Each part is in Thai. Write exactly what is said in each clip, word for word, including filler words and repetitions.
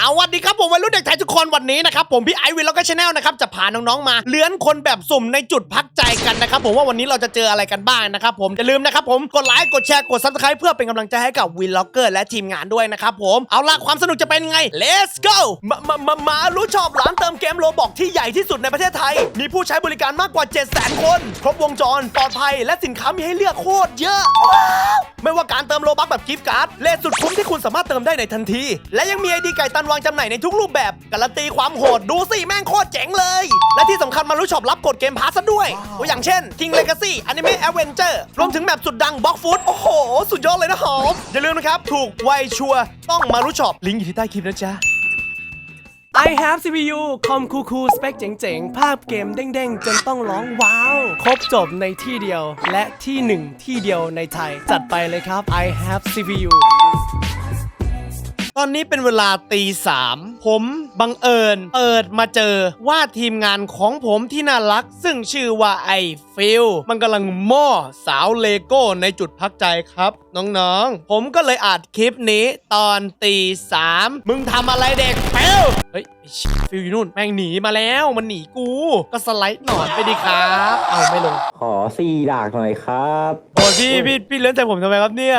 วัสดีครับผมวัยรุ่นเด็กไทยทุกคนวันนี้นะครับผมพี่ไอวินแล้วก็ชาแนลนะครับจะพาน้องๆมาเลื้อนคนแบบสุ่มในจุดพักใจกันนะครับผมว่าวันนี้เราจะเจออะไรกันบ้างนะครับผมอย่าลืมนะครับผมกดไลค์กดแชร์กดซับสไครป์เพื่อเป็นกำลังใจให้กับวินล็อกเกอร์และทีมงานด้วยนะครับผมเอาล่ะความสนุกจะเป็นไง let's go มามามามารู้ชอบร้านเติมเกมโลบอกที่ใหญ่ที่สุดในประเทศไทยมีผู้ใช้บริการมากกว่า เจ็ดแสน คนครบวงจรปลอดภัยและสินค้ามีให้เลือกโคตรเยอะว้าวไม่ว่าการเติมโลบัคแบบกิฟต์การ์ดเลทสุดคุ้มที่คุณสามารถเติมได้ในทันทีและยังมีไอดีไก่ตันวางจำหน่ายในทุกรูปแบบการันตีความโหดดูสิแม่งโคตรเจ๋งเลยและที่สำคัญมารู้ชอบรับกดเกมพาสซะด้วยตัวอย่างเช่น King Legacy Anime Adventure รวมถึงแมปสุดดัง Block Food โอ้โหสุดยอดเลยนะหอมอย่าลืมนะครับถูกไวชัวร์ต้องมารู้ชอบลิงก์อยู่ที่ใต้คลิปนะจ๊ะI have ซี พี ยู คอมคูคูสเปคเจ๋งๆ ภาพเกมเด้งๆ จนต้องร้องว้าว ครบจบในที่เดียว และที่หนึ่งที่เดียวในไทย จัดไปเลยครับ I have ซี พี ยู ตอนนี้เป็นเวลาตีสามผมบังเอิญเปิดมาเจอว่าทีมงานของผมที่น่ารักซึ่งชื่อว่าไอฟิลมันกำลังหม้อสาวเลโก้ในจุดพักใจครับน้องๆผมก็เลยอัดคลิปนี้ตอนตีสามมึงทำอะไรเด็กฟิลเฮ้ยฟิลอยู่นู่นแม่งหนีมาแล้วมันหนีกูก็สไลด์หนอนไปดิครับเอาไม่ลงขอสี่ดากหน่อยครับโอ้พี่พี่พี่เลื่อนใจผมทำไมครับเนี่ย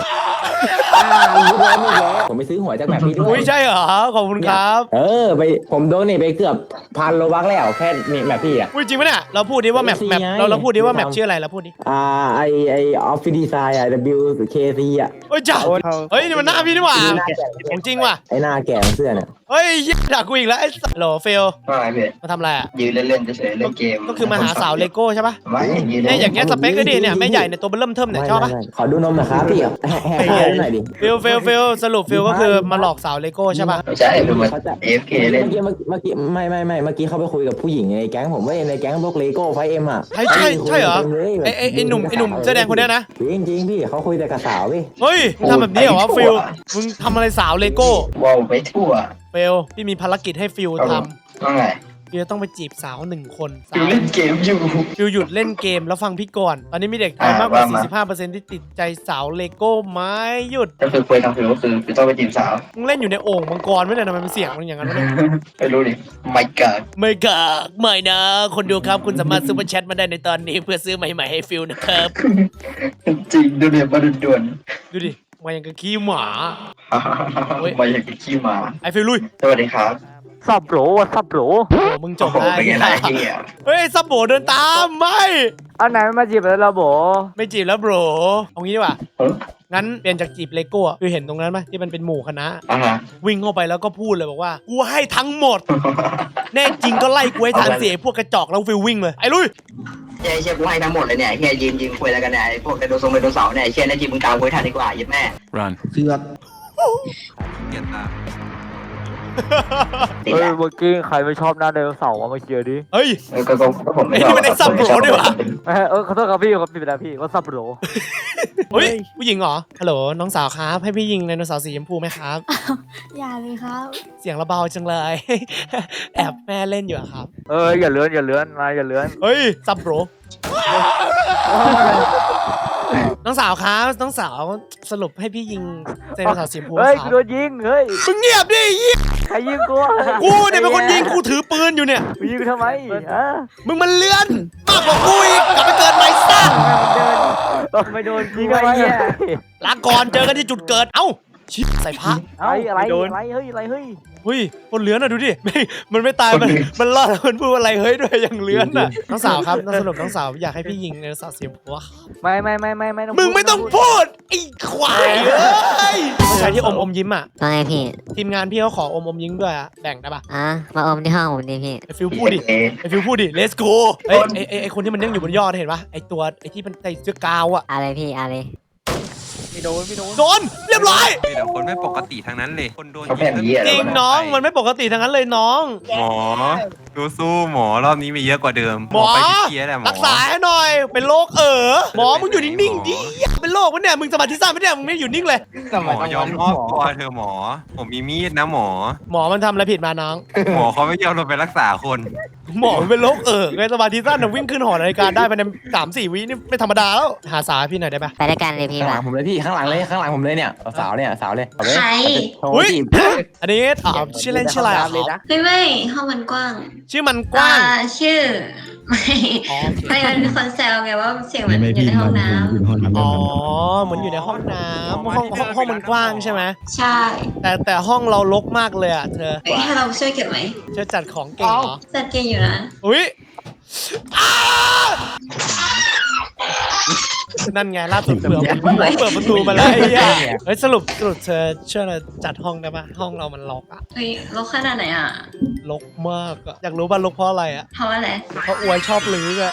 ผมไปซื้อหวยจากแบบพี่ด้วยอุ้ยใช่เหรอขอบคุณครับเออไปผมโดนนี่ไปเกือบพันโลบักแล้วแค่นี่แบบพี่อ่ะอุ้ยจริงปะเนี่ยเราพูดดิว่าแมปแมปเราเราพูดดิว่าแมปชื่ออะไรเราพูดดิอ่าไอไอออฟฟิศดีไซน์อ่ะ W K C อ่ะเฮ้ยจ้าเฮ้ยนี่มันหน้าพี่นี่หว่าของจริงว่ะไอหน้าแก่เสื้อเนี่ยเฮ้ยด่ากูอีกแล้วไอ้โหลเฟลว่าไงเพื่อนมาทำอะไรอ่ะยืนเล่นๆเฉยๆเล่นเกมก็คือมาหาสาวเลโก้ใช่ปะไม่ยืนเนี่ยอย่างเงี้ยสเปคก็ดีเนี่ยแม่ใหญ่ในตัวเริ่มเทิมเนี่ยชอบปะขอดูนมหน่อยครับพี่แหกให้หน่อยดิเฟลเฟลเฟลสรุปเฟลก็คือมาหลอกสาวเลโก้ใช่ปะไม่ใช่คือมันเอฟเคเล่นเมื่อกี้เมื่อกี้ไม่ไม่ไม่เมื่อกี้เขาไปคุยกับผู้หญิงในแก๊งผมว่าในแก๊งพวกเลโก้ไฟเอ็มอ่ะใช่ใช่ใช่เหรอไอไอไอหนุ่มไอหนุ่มเสื้อแดงคนนี้นะจริงจริงพี่เขาคุยแต่กับสาวพี่เฮ้ยมึงทำแบบนี้เหรอวะฟิลมึงทำอะไรสาวเลโก้ว้าวไปทั่วเฟลพี่มีภารกิจให้ฟิลทำว่าไงฟิลต้องไปจีบสาวหนึ่งคนฟิลเล่นเกมอยู่ฟิลหยุดเล่นเกมแล้วฟังพี่ก่อนตอนนี้มีเด็กไทยมากกว่า สี่สิบห้าเปอร์เซ็นต์ ที่ติดใจสาวเลโก้ไม่หยุดก็คือคุยทางฟิลก็คือฟิลต้องไปจีบสาวมึงเล่นอยู่ในโอ่งมังกรไม่ได้ทำไมมันเสียงมันอย่างนั้นวะเนี่ยไม่รู้ดิไม่กากไม่กากไม่นะคนดูครับคุณสามารถซูเปอร์แชทมาได้ในตอนนี้เพื่อซื้อใหม่ๆให้ฟิลนะครับจริงดูเนี่ยมาด่วนดูดิมาอย่างกับขี้หมามาอย่างกับขี้หมาไอฟิลลุยสวัสดีครับซับโหลวะซับโหลโอ้มึงจบได้เฮ้ยซับโบเดินตามไม่อันไหนมาจีบแล้วเราโบไม่จีบแล้วโบรเอางี้ดีกว่างั้นเปลี่ยนจากจีบเลโก้คือเห็นตรงนั้นไหมที่มันเป็นหมู่คณะวิ่งเข้าไปแล้วก็พูดเลยบอกว่ากูให้ทั้งหมดแน่จริงก็ไล่กูให้ทางเสียพวกกระจอกแล้วฟิลวิ่งเลยไอ้ลุยเฮียเชี่ยกูให้ทั้งหมดเลยเนี่ยเฮียยืนยืนคุยอะไรกันเนี่ยไอ้พวกไดโนเสาร์ไดโนเสาร์เนี่ยเชี่ยนั่นจีบมึงกาวคุยทันดีกว่ายิบแม่รันเสือกเกียรตาเฮ้ยเมื่อกี้ใครไม่ชอบหน้าไดโนเสาร์มาเชียร์ดิเฮ้ยก็ก็ผมไม่ชอบไม่ได้ซับโบด้วยวะเออขอโทษครับพี่ครับพี่เป็นไรพี่ว่าซับโบเฮ้ยผู้หญิงเหรอฮัลโหลน้องสาวครับให้พี่ยิงไดโนเสาร์สีชมพูไหมครับอย่าเลยครับเสียงระเบาจังเลยแอบแม่เล่นอยู่ครับเอออย่าเลื้อนอย่าเลื้อนนายอย่าเลื้อนเฮ้ยซับโบน้องสาวครับน้องสาวสรุปให้พี่ยิงไดโนเสาร์สีชมพูครับเฮ้ยโดนยิงเฮ้ยมึงเงียบดิใครยิงกูกูเนี่ยเป็นคนยิงกูถือปืนอยู่เนี่ยยิงทำไมฮะมึงมันเลื่อนมากกว่ากูอีกกลับไปเกิดใหม่ซะไม่โดนยิงทำไมลาก่อนเจอกันที่จุดเกิดเอ้าชิบใส่ผ้าอะไรอะไรอะไรเฮ้ยอะไรเฮ้ยเฮ้ยคนเลื้อนอ่ะดูดิไม่มันไม่ตายมันมันรอดมันพูดอะไรเฮ้ยด้วยอย่างเลื้อนอ่ะน้องสาวครับน้องสรุปน้องสาวอยากให้พี่ยิงในสาวเสียงผัวไม่ไม่ไม่ไม่ไม่มึงไม่ต้องพูดไอ้ควายเอ้ยผู้ชายที่อมอมยิ้มอ่ะว่าไงพี่ทีมงานพี่เขาขออมอมยิ้มด้วยอ่ะแบ่งได้ปะอ่ะมาอมที่ห้องผมดิพี่ไอฟิวพูดดิไอฟิวพูดดิ let's go ไอไอไอคนที่มันนั่งอยู่บนยอดเห็นปะไอตัวไอที่มันใส่เสื้อกาวอ่ะอะไรพี่อะไรไม่โดนไม่โดนโดนเรียบร้อยมีแต่คนไม่ปกติทางนั้นเลยคนโดนจริงน้องมันไม่ปกติทางนั้นเลยน้องหมอสู้ๆหมอรอบนี้มีเยอะกว่าเดิมหมอไปที่เกียร์แหละหมอรักษาให้หน่อย เป็นโรคเออหมอมึงอยู่นิ่งๆดิเป็นโรควะเนี่ยมึงสมาธิสั้นไม่ได้มึงไม่อยู่นิ่งเลยหมอยอมมอบตัวเธอะหมอ ผมมีมีดนะหมอหมอมันทำอะไรผิดมาน้องหมอเขาไม่ยอมลงไปรักษาคนหมอมันเป็นโรคเออไงสมาธิสั้นน่ะวิ่งขึ้นหอนาฬิกาได้ภายในสามสี่วินี่ไม่ธรรมดาแล้วหาสาให้พี่หน่อยได้ปะไปด้วยกันเลยพี่ข้างหลัมางผมเลยพี่ข้างหลังเลยข้างหลังผมเลยเนี่ยสาวเนี่ยสาวเลยเอาเลยใครโทรอุ้ยจีบอันนี้อ่าชื่อเล่นชื่ออะไรอ่ะเลยนะไม่ไม่ห้องมันกว้างชื่อมันกว้างอ่ชื่อ ไม่อ๋อไม่มันมีคนแซวไงว่าเสียงมันอยู่ในห้องน้อ๋อเหมือนอยู่ในห้องน้ำห้องห้องห้องมันกว้างใช่ไหมำใช่แต่แต่ห้องเรารกมากเลยอ่ะเธอเอ้ยให้เราช่วยเก็บไหมช่วยจัดของเก่งเหรอจัดเก่งอยู่นะอุ้ยอ้านั่นไงล่าสุดเปิดเปิดประตูมาแล้วไอ้เหี้ยเฮ้ยสรุปสรุปเธอช่วยเราจัดห้องได้ปะห้องเรามันรกอะเฮ้ยลกขนาดไหนอ่ะรกมากอะอยากรู้ป่ะรกเพราะอะไรอะเพราะอะไรเพราะอวยชอบลื้ออะ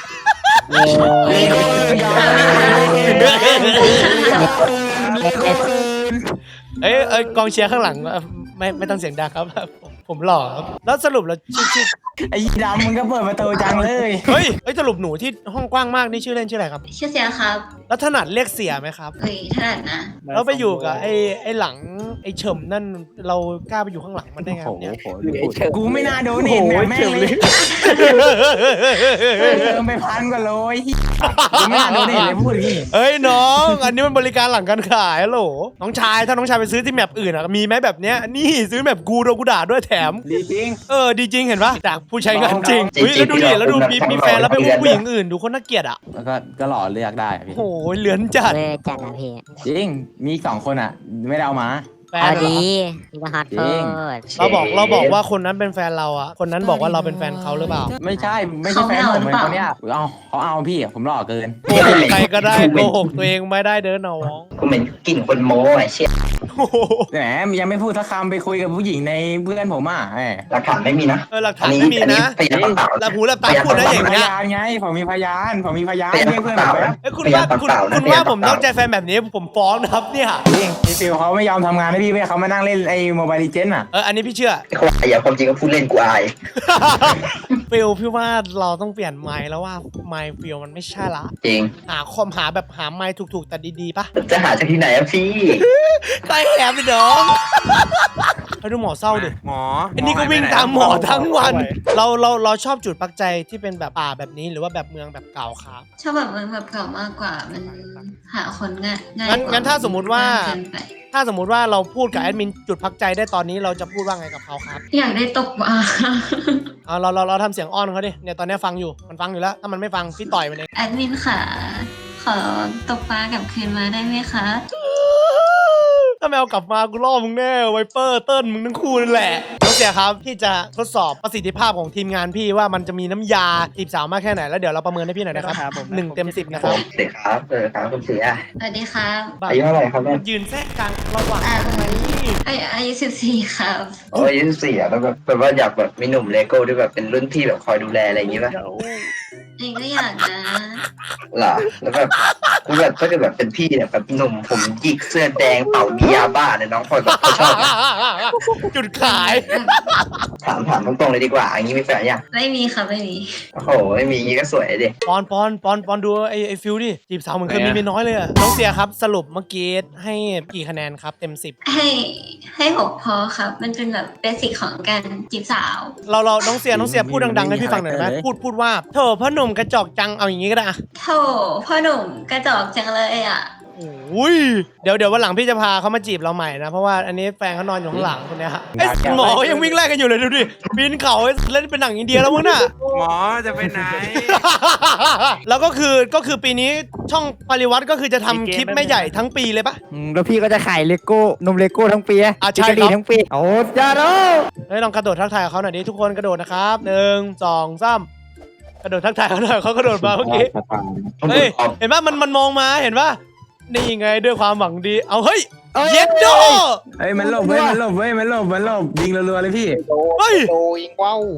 เอ้ยเอ้ยกองเชียร์ข้างหลังเอ่อไม่ไม่ต้องเสียงดังครับผมผมหล่อครับแล้วสรุปแล้วชื่อชื่อไอ้ดำมึงก็เปิดประตูจังเลยเฮ้ยเฮ้ยสรุปหนูที่ห้องกว้างมากนี่ชื่อเล่นชื่ออะไรครับชื่อเสียครับแล้วถนัดเรียกเสียไหมครับเฮ้ยถนัดนะแล้วไปอยู่กับไอ้ไอ้หลังไอ้เฉิมนั่นเรากล้าไปอยู่ข้างหลังมันได้ไงครับเนี่ยกูไม่น่าโดนเห็นแบบแม่งเลยเติมไปพันกว่าโลยกูไม่น่าโดนเห็นเลยพูดอย่างนี้เอ้ยน้อง อันนี้มันบริการหลังการขายฮัลโหลน้องชายถ้าน้องชายไปซื้อที่แมปอื่นอะมีไหมแบบเนี้ยนี่ซื้อแมปกูโดนกูด่าด้วยแถมดีจริงเออดีจริงเห็นปะจากผู้ใช้งานจริงอุ้ยแล้วดูดิแล้วดูมีมีแฟนแล้วไปอุ้มผู้หญิงอื่นดูคนน่าเกลียดอ่ะแล้วก็ก็หล่อเลือกได้อะพี่โอ้ยเหลือนจัดเวอร์จัดนะพี่จริงมีอีกสองคนอ่ะ ไม่ได้เอามาแฟนเอาเหรอดีพี่ก็ฮอตจริโพงดเราบอกเราบอกว่าคนนั้นเป็นแฟนเราอ่ะคนนั้นบอกว่าเราเป็นแฟนเขาหรือเปล่าไม่ใช่ไม่ใช่แฟนผมเป็นคนเนี้ยเอาเขาเอาพี่ผมหล่อเกินโกหกใครก็ได้โกหกตัวเองไม่ได้เด้อน้องกูเหม็นกลิ่นคนโม้ไอ้เชี่ยโอ้โหแหมยังไม่พูดสักคำไปคุยกับผู้หญิงในเพื่อนผมอ่ะแหมหลักฐานไม่มีนะเออหลักฐานไม่มีนะพยานเปล่าหลับหูหลับตาพูดนะอย่างพเงี้ยยานไงผมมีพยานผมมีพยานพยานเรียกเพื่อนผมแป๊บเอ้ยคุณว่าคุณคุณว่าผมนอกใจแฟนแบบนี้ผมฟ้องนะครับเนี่ยจริงพี่ฟิวเขาไม่ยอมทำงานให้พี่เว้ยเขามานั่งเล่นไอ้โมบายลีเจนอ่ะเอออันนี้พี่เชื่อไอ้คนอย่าความจริงก็พูดเล่นกูอายฟิลพี่ว่าเราต้องเปลี่ยนไมค์แล้วว่าไมค์ฟิลมันไม่ใช่ละจริงหาคอมหาแบบหาไมค์ถูกๆแต่ดีๆปะจะหาจากที่ไหนอะพี่ใครแอบไปน้องไปดูหมอเศร้าดิหมออันนี้ก็วิ่งตามหมอทั้งวัน เราเราเราชอบจุดปักใจที่เป็นแบบป่าแบบนี้หรือว่าแบบเมืองแบบเก่าครับชอบแบบเมืองแบบเก่ามากกว่ามันหาคนง่ายง่ายงั้นกว่งั้นถ้าสมมุติว่าเกินไปถ้าสมมุติว่าเราพูดกับแอดมินจุดพักใจได้ตอนนี้เราจะพูดว่าไงกับเขาครับอยากได้ตกปลาเอาเราเราเราทำเสียงอ้อนเขาดิเนี่ยตอนนี้ฟังอยู่มันฟังอยู่แล้วถ้ามันไม่ฟังพี่ต่อยมันเองแอดมินค่ะขอตกปลากลับคืนมาได้ไหมคะถ้าแมวกลับมากูล่อมึงแน่ไวเปอร์เติ้ลมึงทั้งคู่นั่นแหละน้องเสียครับพี่จะทดสอบประสิทธิภาพของทีมงานพี่ว่ามันจะมีน้ำยาจีบสาวมากแค่ไหนแล้วเดี๋ยวเราประเมินให้พี่หน่อยนะครับหนึ่งเต็มสิบนะผครับมเสียครับเออครับคุณเสียสวัสดีครับอายุเท่าไหร่ครับเนี่ยยืนแทรกกลางระหว่างอ่านี่อายุอายุสิบสี่ครับโอ้ยยี่สิบสี่อะแล้วแบบแบบว่าอยากแบบมีหนุ่มเลโก้ที่แบบเป็นรุ่นพี่แบบคอยดูแลอะไรอย่างงี้ป่ะเองก็อยากนะเหรอแล้วแบบกูแบบถ้าเกิดแบบเป็นพี่เนี่ยแบบหนุ่มผมหยิกเสื้อแดงเป่ามียาบ้าเนี่ยน้องพลอยแบบเขาชอบนะจุดขายถามถามตรงๆเลยดีกว่าอย่างงี้มีแฟนยังไม่มีครับไม่มีโอ้โหไม่มีอย่างงี้ก็สวยดิปอนปอนปอนปอนดูไอไอฟิลดิจีบสาวเหมือนเคยมีเมียน้อยเลยอะน้องเสียครับสรุปเมื่อกี้ให้กี่คะแนนครับเต็มสิบให้ให้หกพอครับ มันเป็นแบบเบสิกของการจีบสาวเราเราน้องเสียน้องเสียพูดดังๆให้พี่ฟังหน่อยได้ไหมพูดพูดว่าเธอพ่อหนุ่มกระจอกจังเอาอย่างงี้ก็ได้อะโธ่พ่อหนุ่มกระจอกจังเลยอ่ะโอ้ยเดี๋ยวเดี๋ยววันหลังพี่จะพาเขามาจีบเราใหม่นะเพราะว่าอันนี้แฟนเขานอนอยู่ข้างหลังคนเนี้ยฮะไอ้หมอยังวิ่งไล่กันอยู่เลยดูดิปีนเขาเล่นเป็นหนังอินเดียแล้วมึงน่ะหมอจะไปไหนแล้วก็คือก็คือปีนี้ช่องปริวัติก็คือจะทำคลิปไม่ใหญ่ทั้งปีเลยปะอืมแล้วพี่ก็จะขายเลโก้นมเลโก้ทั้งปีอ่ะใช่ครับจิกกะหรี่ทั้งปีโอ้จ้าโร่เฮ้ยลองกระโดดทักทายกับเขาหน่อยดิทุกคนกระโดดนะครับหนึ่งสองสามกระโดดทักทายเขาหน่อยเขากระโดดมาเมื่อกี้เฮ้ยเห็นปะมันมันมองมาเห็นปะนี่ไงด้วยความหวังดีเอาเฮ้ยเย็ดโดเฮ้ยมันหลบเว้ยมันหลบเว้ยมันหลบมันหลบยิงรัวๆเลยพี่เฮ้ยโดยิงว้าว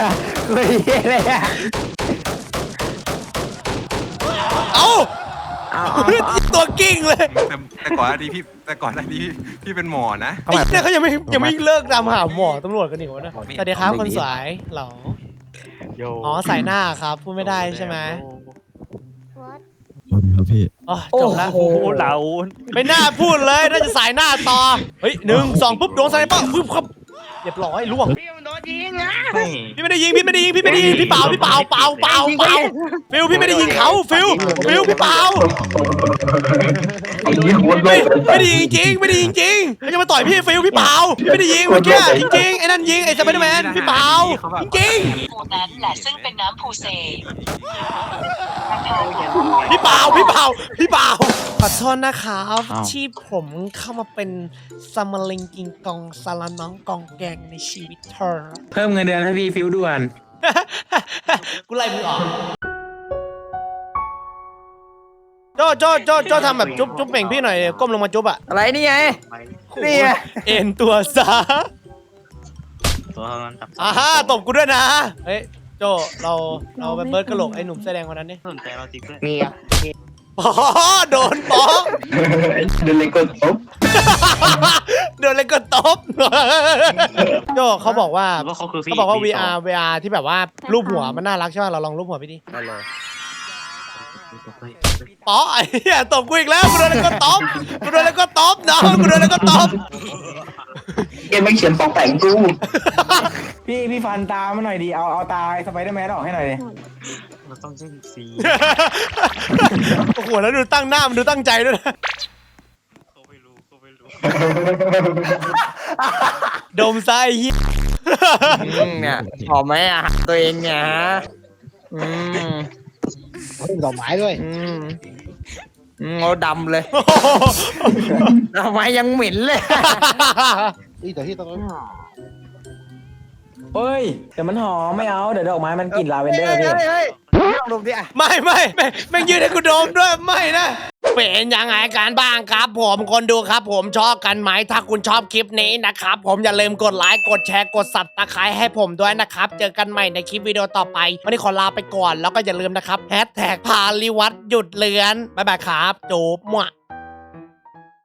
เฮ้ยอะไรอะเอาเอาเอาเอาตัวกิ้งเลยแต่แต่ก่อนหน้านี้พี่แต่ก่อนหน้านี้พี่เป็นหมอนะไอ้เนี่ยเขายังไม่ยังไม่เลิกตามหาหมอตำรวจกันอีกวะนะสวัสดีครับคนสวยเหรออ๋อใส่หน้าครับพูดไม่ได้ใช่ไหมครับพี่อ๋อจบแล้วโอ้โหเหลาไม่น่าพูดเลยน่าจะสายหน้าต่อเฮ้ยหนึ่งสองปุ๊บโดนสไนเปอร์ปุ๊บครับเรียบร้อยล่วงพี่ไม่ได้ยิงพี่ไม่ได้ยิงพี่ไม่ได้ยิงพี่เปล่าพี่เปล่าเปล่าเปล่าเปล่าฟิลพี่ไม่ได้ยิงเขาฟิลฟิลพี่เปล่าไอ้ยี่หัวโลไม่กไม่ได้ยิงจริงไม่ได้ยิงจริงเขาจะมาต่อยพี่ฟิลพี่เปล่าพี่ไม่ได้ยิงเมื่อกี้จริงๆไอ้นั่นยิงไอ้สไปเดอร์แมนพี่เปล่าจริงภูนั้นแหละซึ่งเป็นน้ำภูเซๆพี่เปล่าพี่เปล่าพี่เปล่าขอโทษนะครับที่ผมเข้ามาเป็นซัมเมอร์ลิงกิงกองซาลาน้องกองแกงในชีวิตเธอเพิ่มเงินเดือนให้พี่ฟิวด่วนกูไล่มึงออกโจโจโจโจทำแบบจุ๊บจุ๊บเป่งพี่หน่อยก้มลงมาจุ๊บอ่ะอะไรนี่ไง นี่ไงเอ็นตัวซะอ่าฮะตบกูด้วยนะเฮ้ยโจเราเราไปเบิร์ดกระโหลกไอ้หนุ่มเสื้อแดงคนนั้นนี่นี่อ่ะอ๋อโดนป๊อกเดินเลยก็ตบโดนเลยก็ตบโจเขาบอกว่าเขาบอกว่า วี อาร์ วี อาร์ ที่แบบว่ารูปหัวมันน่ารักใช่ป่ะเราลองรูปหัวพี่ดิป๊อกไอ้เหี้ยตบกูอีกแล้วกูโดนเลยก็ตบกูโดนเลยก็ตบน้องกูโดนเลยก็ตบเกมไม่เขียนปอกแต่งกูพี่พี่ฟันตามาหน่อยดิเอาเอาตาสไปเดอร์แมนออกให้หน่อยดิโอ้โหแล้วดูตั้งหน้ามันดูตั้งใจด้วยนะดมไส้เหี้ยอืมเนี่ยหอมไหมอ่ะตัวเองเนี่ยฮะอืมดอกไม้ด้วยอืมอืมเอาดำเลยทำไมยังเหม็นเลยนี่แต่ที่ตอนนั้นเฮ้ยเดี๋ยวมันหอมไม่เอาเดี๋ยวดอกไม้มันกลิ่นลาเวนเดอร์พี่เฮ้ยเฮ้ยเฮ้ยลองดมดิอ่ะไม่ไม่ไม่ไม่ยืนให้กูดมด้วยไม่นะเป็นยังไงกันบ้างครับ ผมคนดูครับ ผมชอบกันไหมถ้าคุณชอบคลิปนี้นะครับ ผมอย่าลืมกดไลค์กดแชร์กดสับตะไคร้ให้ผมด้วยนะครับ เจอกันใหม่ในคลิปวิดีโอต่อไปวันนี้ขอลาไปก่อนแล้วก็อย่าลืมนะครับแฮชแท็กพาลิวัตหยุดเลือนบ๊ายบายครับจูบมั่ว